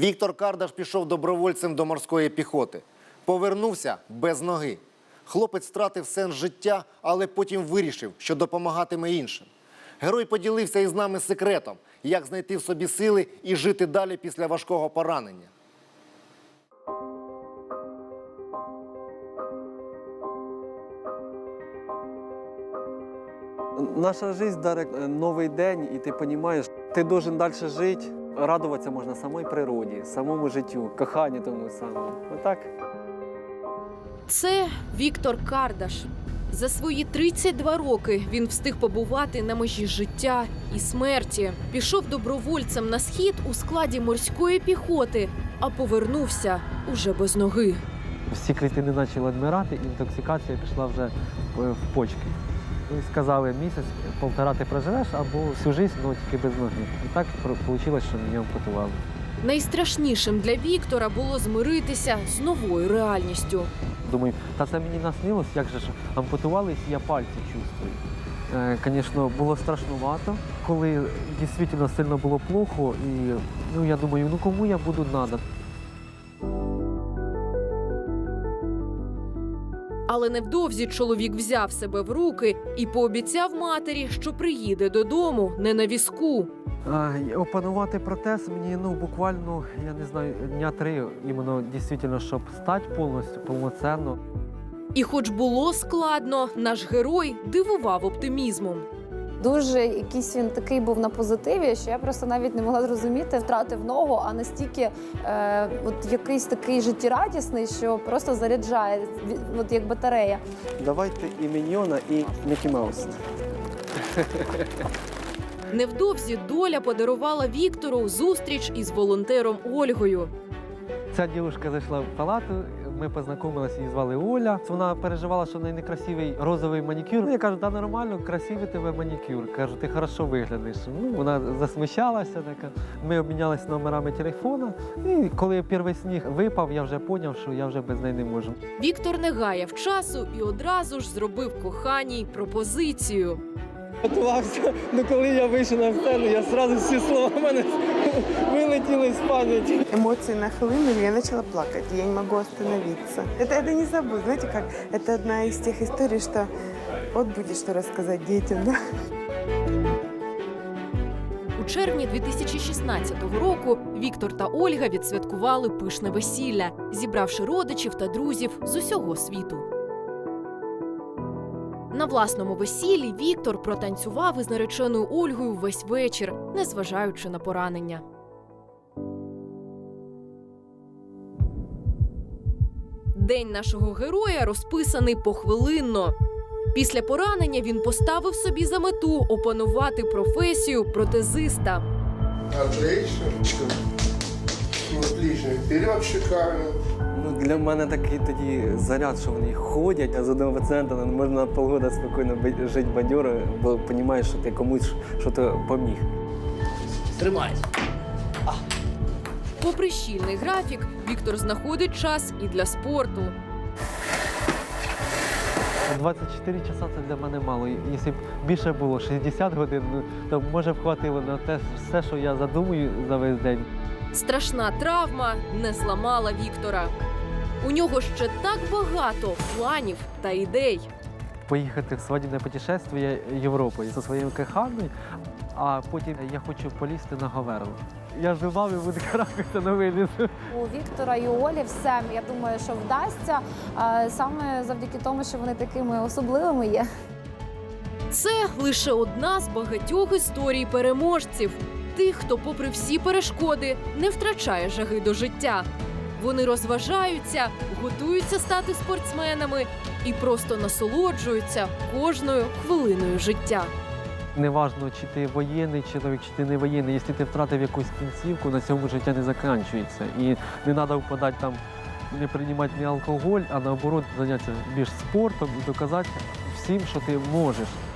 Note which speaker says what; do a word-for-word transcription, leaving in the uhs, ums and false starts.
Speaker 1: Віктор Кардаш пішов добровольцем до морської піхоти. Повернувся без ноги. Хлопець втратив сенс життя, але потім вирішив, що допомагатиме іншим. Герой поділився із нами секретом, як знайти в собі сили і жити далі після важкого поранення.
Speaker 2: Наша жизнь, Дарек, новий день, і ти розумієш, ти должен далі жити. Радуватися можна самій природі, самому життю, коханню тому самому. Отак.
Speaker 3: Це Віктор Кардаш. За свої тридцять два роки він встиг побувати на межі життя і смерті. Пішов добровольцем на схід у складі морської піхоти, а повернувся уже без ноги.
Speaker 2: Всі клітини почали відмирати, інтоксикація пішла вже в почки. І сказали, місяць, півтора ти проживеш або всю життя, але тільки без ноги. І так вийшло, що мене ампутували.
Speaker 3: Найстрашнішим для Віктора було змиритися з новою реальністю.
Speaker 2: Думаю, та це мені наснилось, як же ж ампутувались, я пальці чувствую. Звісно, було страшнувато, коли дійсно сильно було плохо, і ну, я думаю, ну кому я буду надо.
Speaker 3: Але невдовзі чоловік взяв себе в руки і пообіцяв матері, що приїде додому не на візку.
Speaker 2: А, опанувати протез мені ну, буквально, я не знаю, дня три, іменно дійсно, щоб стати повністю, повноцінно.
Speaker 3: І хоч було складно, наш герой дивував оптимізмом.
Speaker 4: Дуже якийсь він такий був на позитиві, що я просто навіть не могла зрозуміти, втратив ногу, а настільки е, от якийсь такий життєрадісний, що просто заряджає, от як батарея.
Speaker 2: Давайте і Міньйона, і Мікі Маус.
Speaker 3: Невдовзі доля подарувала Віктору зустріч із волонтером Ольгою.
Speaker 2: Ця дівчинка зайшла в палату, ми познайомилися, її звали Оля. Вона переживала, що в неї некрасивий розовий манікюр. Я кажу, да нормально, красивий тебе манікюр. Кажу, ти хорошо виглядаєш. Ну, вона засмущалася, така. Ми обмінялися номерами телефона. І коли перший сніг випав, я вже зрозумів, що я вже без неї не можу.
Speaker 3: Віктор не гаяв часу і одразу ж зробив коханій пропозицію.
Speaker 2: Готувався, ну коли я вийшов на сцену, я одразу всі слова в мене вилетіли з пам'яті.
Speaker 5: Эмоции нахлынули, я начала плакать, я не могу остановиться. Это, это не забыть, знаете как, это одна из тех историй, что вот будет что рассказать детям, да?
Speaker 3: У червні дві тисячі шістнадцятого року Віктор та Ольга відсвяткували пишне весілля, зібравши родичів та друзів з усього світу. На власному весіллі Віктор протанцював із нареченою Ольгою весь вечір, незважаючи на поранення. День нашого героя розписаний похвилинно. Після поранення він поставив собі за мету опанувати професію протезиста.
Speaker 6: Отлично. Отлично. Вперед, шикарно.
Speaker 2: Ну, для мене такий тоді заряд, що вони ходять, а з одного пацієнта можна полгода спокійно жити бадьоро, бо розумієш, що ти комусь щось поміг.
Speaker 1: Тримай.
Speaker 3: Попри щільний графік, Віктор знаходить час і для спорту.
Speaker 2: двадцять чотири часа це для мене мало. Якщо б більше було шістдесят годин, то може б хватило на те все, що я задумую за весь день.
Speaker 3: Страшна травма не зламала Віктора. У нього ще так багато планів та ідей.
Speaker 2: Поїхати в свадібне путешествие Європою зі своєю коханою, а потім я хочу полізти на Говерло. Я живав і буду каракатися на виліз.
Speaker 4: У Віктора і у Олі все, я думаю, що вдасться, а саме завдяки тому, що вони такими особливими є.
Speaker 3: Це лише одна з багатьох історій переможців. Тих, хто попри всі перешкоди не втрачає жаги до життя. Вони розважаються, готуються стати спортсменами і просто насолоджуються кожною хвилиною життя.
Speaker 2: Неважно, чи ти воєнний чоловік, чи ти не воєнний. Якщо ти втратив якусь кінцівку, на цьому життя не закінчується. І не треба впадати там, не приймати ні алкоголь, а наоборот зайнятися більш спортом і доказати всім, що ти можеш.